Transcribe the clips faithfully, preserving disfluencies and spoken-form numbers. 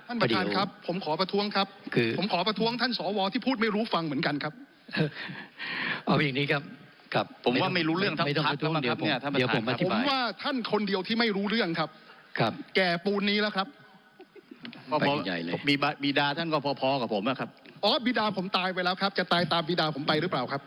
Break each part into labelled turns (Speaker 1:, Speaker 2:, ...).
Speaker 1: ท่านประธานครับผมขอประท้วงครับคือผมขอประท้วงท่านสวที่พูดไม่รู้ฟังเหมือนกันครับ
Speaker 2: เอาอย่างนี้ครับกับ
Speaker 3: ผมว่าไม่รู้เรื่องทั้งพรรคแล้วครับเนี่ยท่านประธานครับ
Speaker 1: ผมว่าท่านคนเดียวที่ไม่รู้เรื่องครับ
Speaker 2: ครับ
Speaker 1: แก่ปูนนี้แล้วครับ
Speaker 3: พอๆมีบิดาท่านก็พอๆกับผมนะครับ
Speaker 1: อ๋อบิดาผมตายไปแล้วครับจะตายตามบิดาผมไปหรือเปล่าครับ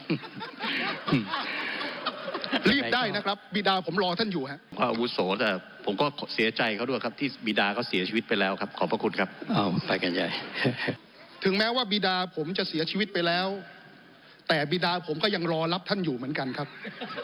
Speaker 1: รีบได้นะครับบิดาผมรอท่านอยู่ฮะ
Speaker 3: ก็อาวุโสแต่ผมก็เสียใจเขาด้วยครับที่บิดาเขาเสียชีวิตไปแล้วครับขอบพระคุณครับ
Speaker 2: เอาไปกันใหญ่
Speaker 1: ถึงแม้ว่าบิดาผมจะเสียชีวิตไปแล้วแต่บิดาผมก็ยังรอรับท่านอยู่เหมือนกันครับ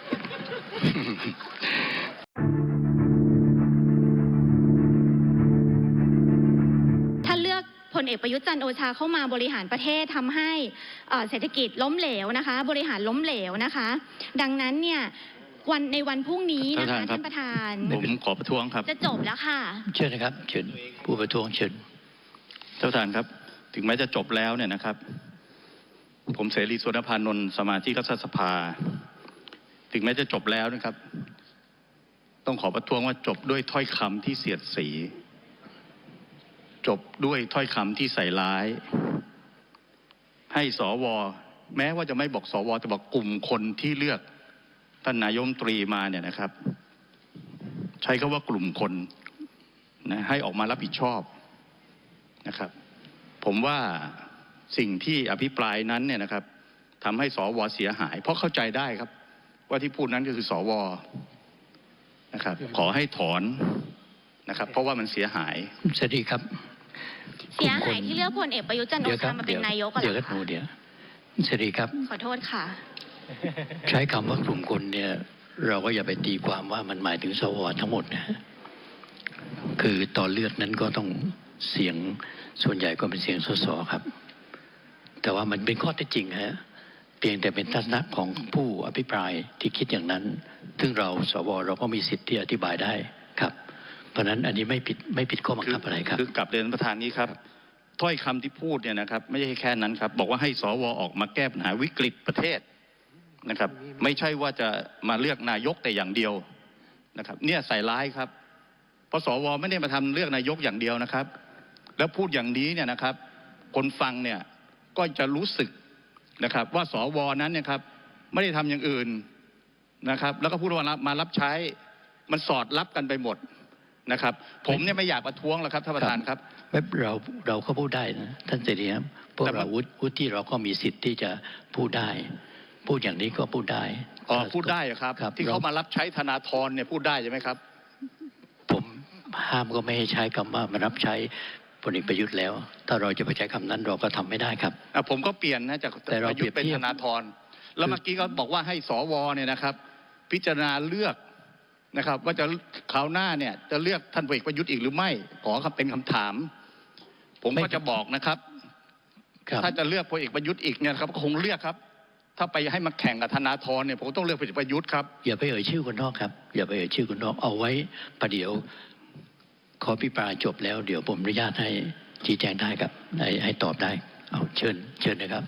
Speaker 4: ท่านเลือกพลเอกประยุทธ์จันทร์โอชาเข้ามาบริหารประเทศทำให้เศรษฐกิจล้มเหลวนะคะบริหารล้มเหลวนะคะดังนั้นเนี่ยวันในวันพรุ่งนี้นะคะท่านประธาน
Speaker 3: ผมขอประท้วงครับ
Speaker 4: จะจบแล้วค่ะ
Speaker 2: เชิญนะครับเชิญผู้ประท้วงเชิญ
Speaker 3: ท่านประธานครับถึงแม้จะจบแล้วเนี่ยนะครับผมเสรีสุวรรณพานนท์สมาชิกรัฐสภาถึงแม้จะจบแล้วนะครับต้องขอประท้วงว่าจบด้วยถ้อยคำที่เสียดสีจบด้วยถ้อยคำที่ใส่ร้ายให้สวแม้ว่าจะไม่บอกสวแต่บอกกลุ่มคนที่เลือกท่านนายกรัฐมนตรีมาเนี่ยนะครับใช้คำว่ากลุ่มคนนะให้ออกมารับผิดชอบนะครับผมว่าสิ่งที่อภิปรายนั้นเนี่ยนะครับทำให้สวเสียหายเพราะเข้าใจได้ครับว่าที่พูดนั้นก็คือสวนะครับขอให้ถอนนะครับเพราะว่ามันเสียหาย
Speaker 2: สวัสดีครับ
Speaker 4: เสียหายที่เลือกพลเอกประยุทธ์จันทร์โอชามาเป็นนายกกัน
Speaker 2: เดี๋ยวกันเดี๋ยวสวัสดีครับ
Speaker 4: ขอโทษค่ะ
Speaker 2: ใช้คำว่ากลุ่มคนเนี่ยเราก็อย่าไปตีความว่ามันหมายถึงสวทั้งหมดนะคือตอนเลือกนั้นก็ต้องเสียงส่วนใหญ่ก็เป็นเสียงสสครับแต่ว่ามันเป็นข้อเท็จจริงฮะเพียงแต่เป็นทัศนะของผู้อภิปรายที่คิดอย่างนั้นซึ่งเราสวเราก็มีสิทธิ์ที่อธิบายได้ครับเพราะนั้นอันนี้ไม่ผิดไม่ผิดข้อบังคับอะไรครับ
Speaker 3: คือกลับเรียนประธานนี้ครับถ้อยคำที่พูดเนี่ยนะครับไม่ใช่แค่นั้นครับบอกว่าให้สวออกมาแก้ปัญหาวิกฤตประเทศนะครับไม่ใช่ว่าจะมาเลือกนายกแต่อย่างเดียวนะครับเนี่ยใส่ร้ายครับเพราะสวไม่ได้มาทำเลือกนายกอย่างเดียวนะครับแล้วพูดอย่างนี้เนี่ยนะครับคนฟังเนี่ยก็จะรู้สึกนะครับว่าสวนั้นเนี่ยครับไม่ได้ทำอย่างอื่นนะครับแล้วก็พูดว่ามารับใช้มันสอดรับกันไปหมดนะครับผมเนี่ยไม่อยากประท้วงแล้วครับท่านประธานครับ
Speaker 2: เราเราก็พูดได้นะท่านเสรีครับพวกเราวุฒิเราก็มีสิทธิ์ที่จะพูดได้พูดอย่างนี้ก็พูดได้
Speaker 3: อ๋อพูดได้ครับที่เขามารับใช้ธนาธรเนี่ยพูดได้ใช่ไหมครับ
Speaker 2: ผมห้ามก็ไม่ให้ใช้คำว่ามารับใช้พลเอกประยุทธ์แล้วถ้าเราจะไปใช้คำนั้นเราก็ทำไม่ได้ครับ
Speaker 3: ผมก็เปลี่ยนนะจากประยุทธ์เป็นธนาธรแล้วเมื่อกี้ก็บอกว่าให้สวเนี่ยนะครับพิจารณาเลือกนะครับว่าจะคราวหน้าเนี่ยจะเลือกท่านพลเอกประยุทธ์อีกหรือไม่ขอเป็นคำถามผมก็จะบอกนะครับถ้าจะเลือกพลเอกประยุทธ์อีกเนี่ยครับก็คงเลือกครับถ้าไปให้มาแข่งกับธนาธรเนี่ยผมต้องเลือกพลเอกประยุทธ์ครับ
Speaker 2: อย่าไปเอ่ยชื่อคนนอกครับอย่าไปเอ่ยชื่อคนนอกเอาไว้ประเดี๋ยวขอพิปรายจบแล้วเดี๋ยวผมอนุญาตให้ชี้แจงได้ครับให้ให้ตอบได้เอาเชิญเชิญนะครับ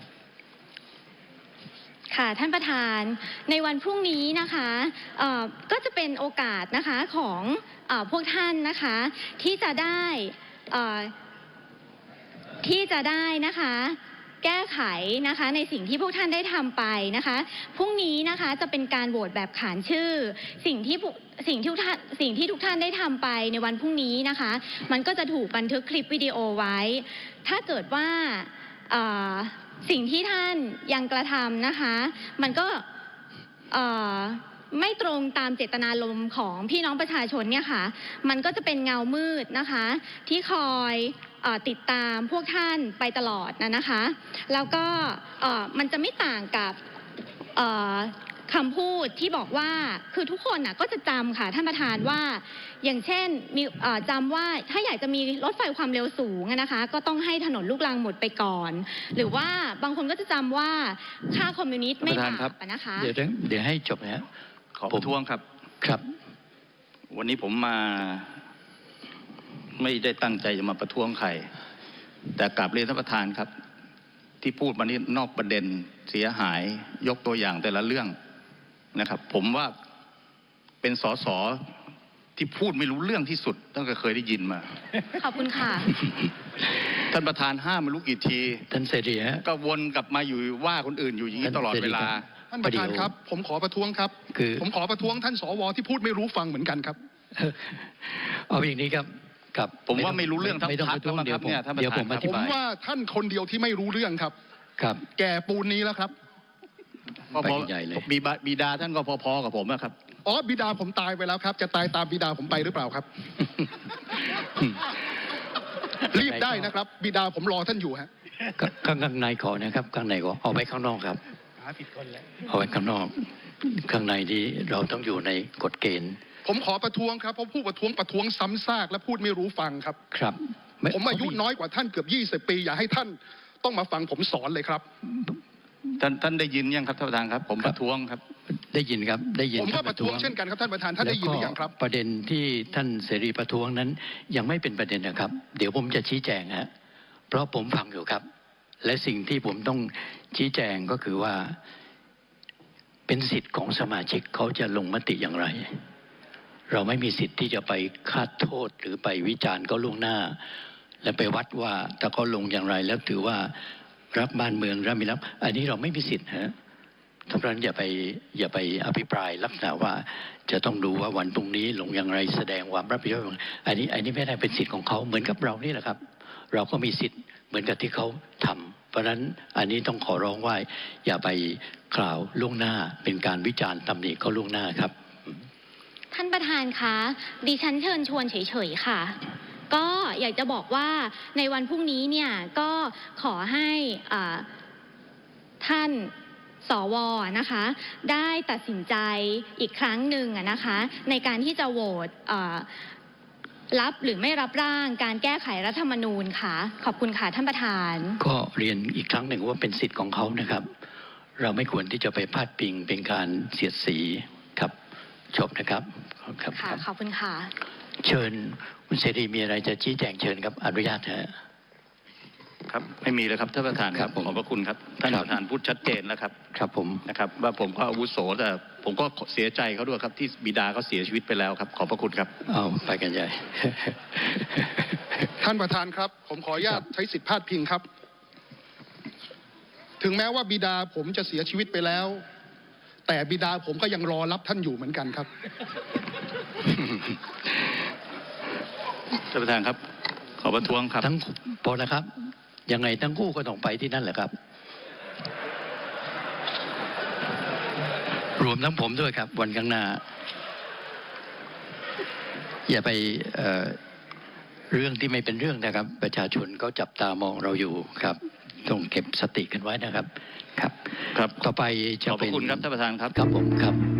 Speaker 4: ค่ะท่านประธานในวันพรุ่งนี้นะคะก็จะเป็นโอกาสนะคะของพวกท่านนะคะที่จะได้ที่จะได้นะคะแก้ไขนะคะในสิ่งที่พวกท่านได้ทำไปนะคะพรุ่งนี้นะคะจะเป็นการโหวตแบบขานชื่อสิ่งที่สิ่งที่ทุกท่านสิ่งที่ทุกท่านได้ทำไปในวันพรุ่งนี้นะคะมันก็จะถูกบันทึกคลิปวิดีโอไว้ถ้าเกิดว่าสิ่งที่ท่านยังกระทำนะคะมันก็ไม่ตรงตามเจตนารมณ์ของพี่น้องประชาชนเนี่ยค่ะมันก็จะเป็นเงามืดนะคะที่คอยติดตามพวกท่านไปตลอดนะนะคะแล้วก็มันจะไม่ต่างกับคำพูดที่บอกว่าคือทุกคนน่ะก็จะจำค่ะท่านประธานว่าอย่างเช่นมีจำว่าถ้าอยากจะมีรถไฟความเร็วสูงนะคะก็ต้องให้ถนนลูกรังหมดไปก่อนหรือว่าบางคนก็จะจำว่าค่าคอมมิวนิสต์ไม่บาปนะคะ
Speaker 2: เดี๋ยวเดี๋ยวให้จบนะ
Speaker 3: ขอประท้วงครับ
Speaker 2: ครับ
Speaker 3: วันนี้ผมมาไม่ได้ตั้งใจจะมาประท้วงใครแต่กลับเรียนท่านประธานครับที่พูดมานี้นอกประเด็นเสียหายยกตัวอย่างแต่ละเรื่องนะครับผมว่าเป็นสสที่พูดไม่รู้เรื่องที่สุดตั้งแต่เคยได้ยินมา
Speaker 4: ขอบคุณค่ะ
Speaker 3: ท่านประธานห้ามไม่รู้กี่ที
Speaker 2: ท่านเสรีฮะ
Speaker 3: ก็วนกลับมาอยู่ว่าคนอื่นอยู่อย่างนี้ตลอดเวลา
Speaker 1: ท่านประธานครับ ผมขอประท้วงครับ
Speaker 2: คือ
Speaker 1: ผมขอประท้วงท่านสวที่พูดไม่รู้ฟังเหมือนกันครับ
Speaker 2: เอาอย่างนี้ครับกับ
Speaker 3: ผมว่าไม่รู้เรื่องทั้ง
Speaker 2: ไม่ต้อง
Speaker 3: พร
Speaker 2: ป
Speaker 3: รค
Speaker 2: ระท้วง
Speaker 3: แล้วมั้ง
Speaker 2: เดี๋ยวผม
Speaker 3: ครับเนี่ยท่านประธาน
Speaker 2: เดี๋ยวผมอ
Speaker 3: ครับ
Speaker 2: ธิ
Speaker 1: ผม
Speaker 2: บาย
Speaker 1: ว่าท่านคนเดียวที่ไม่รู้เรื่องครับ
Speaker 2: ครับ
Speaker 1: แก่ปูนนี้แล้วครับ
Speaker 3: พอ
Speaker 2: ไป
Speaker 3: พอ
Speaker 2: ใหญ่เลย
Speaker 3: บิดาบิดาท่านก็พอๆกับผมอะครับ
Speaker 1: อ๋อบิดาผมตายไปแล้วครับ จะตายตามบิดาผมไปหรือเปล่าครับ รีบได้นะครับ บิดาผมรอท่านอยู่ฮะ
Speaker 2: ก็ข้างข้างในขอนะครับข้างในขอเอาไว้ข้างนอกครับเอาไว้ข้างนอก ข้างในนี้เราต้องอยู่ในกฎเกณฑ์
Speaker 1: ผมขอประท้วงครับเพราะผู้ประท้วงประท้วงซ้ำซากและพูดไม่รู้ฟังครับ
Speaker 2: ครับไ
Speaker 1: ผมอายุน้อยกว่าท่านเกือบยี่สิบปี อย่าให้ท่านต้องมาฟังผมสอนเลยครับ
Speaker 3: ท่านท่านได้ยินยังครับท่านประธานครับ ผมประท้วงครับ
Speaker 2: ได้ยินครับได้ยิน
Speaker 1: ผมก็
Speaker 2: ท่าน
Speaker 1: ประท้วงเช่นกันครับท่านประธานท่านได้ยินหรือยังครับ
Speaker 2: แล้วก็ประเด็นที่ท่านเสรีประท้วงนั้น ยังไม่เป็นประเด็นนะครับ เดี๋ยวผมจะชี้แจงฮะเพราะผมฟังอยู่ครับ และสิ่งที่ผมต้องชี้แจงก็คือว่า เป็นสิทธิ์ของสมาชิกเขาจะลงมติอย่างไร เราไม่มีสิทธิ์ที่จะไปคาดโทษหรือไปวิจารณ์เขาล่วงหน้า และไปวัดว่าถ้าเขาลงอย่างไรแล้วถือว่ารักบ้านเมืองรักมีรักอันนี้เราไม่มีสิทธิ์ฮะท่านประธานอย่าไปอย่าไปอภิปรายลักษณะว่าจะต้องดูว่าวันพรุ่งนี้ลงอย่างไรแสดงความรับผิดชอบอันนี้อันนี้ไม่ได้เป็นสิทธิ์ของเขาเหมือนกับเรานี่แหละครับ เราก็มีสิทธิ์เหมือนกับที่เขาทำเพราะฉะนั้นอันนี้ต้องขอร้องว่าอย่าไปกล่าวล่วงหน้าเป็นการวิจารณ์ตำหนิเขาล่วงหน้าครับ
Speaker 4: ท่านประธานคะดิฉันเชิญชวนเฉยๆค่ะ ก็อยากจะบอกว่าในวันพรุ่งนี้เนี่ยก็ขอให้อ่าท่านสวนะคะ ได้ตัดสินใจอีกครั้งหนึ่งอะนะคะ ในการที่จะโหวตอ่ารับหรือไม่รับร่างการแก้ไขรัฐธรรมนูญค่ะ ขอบคุณค่ะท่านประธาน
Speaker 2: ก็เรียนอีกครั้งหนึ่งว่าเป็นสิทธิ์ของเขานะครับ เราไม่ควรที่จะไปพาดพิงเป็นการเสียดสีครับจบนะครับครับ
Speaker 4: ค่ะ
Speaker 2: ครับ
Speaker 4: ขอบคุณค่ะ
Speaker 2: เชิญคุณเสรีมีอะไรจะชี้แจงเชิญครับอนุญาตฮะ
Speaker 3: ครับไม่มีเลยครับท่านประธานครับ
Speaker 2: ครับผม
Speaker 3: ขอบพระคุณครับท่าน
Speaker 2: ครับ
Speaker 3: ประธานพูดชัดเจนแล้วครับ
Speaker 2: ครับผม
Speaker 3: นะครับ ว่าผมก็อาวุโสแต่ผมก็เสียใจเขาด้วยครับที่บิดาเขาเสียชีวิตไปแล้วครับ ขอบพระคุณครับ
Speaker 2: เอาไปกันใหญ่
Speaker 1: ท่านประธานครับ ผมขออนุญาตใช้สิทธิพาดพิงครับ ถึงแม้ว่าบิดาผมจะเสียชีวิตไปแล้ว แต่บิดาผมก็ยังรอรับท่านอยู่เหมือนกันครับ
Speaker 3: ท่านประธานครับ ขอประท้วงครับ
Speaker 2: ทั้งพอแล้วครับ ยังไงทั้งคู่ก็ต้องไปที่นั่นแหละครับ รวมทั้งผมด้วยครับ วันข้างหน้า อย่าไปเอ่อเรื่องที่ไม่เป็นเรื่องนะครับ ประชาชนก็จับตามองเราอยู่ครับต้องเก็บสติกันไว้นะครับ ครับ
Speaker 3: ครับ
Speaker 2: ต่อไปจะ
Speaker 3: ขอบพ
Speaker 2: เป็
Speaker 3: ระ
Speaker 2: น
Speaker 3: คุณครับท่านประธานครับ
Speaker 2: ครับผมครับ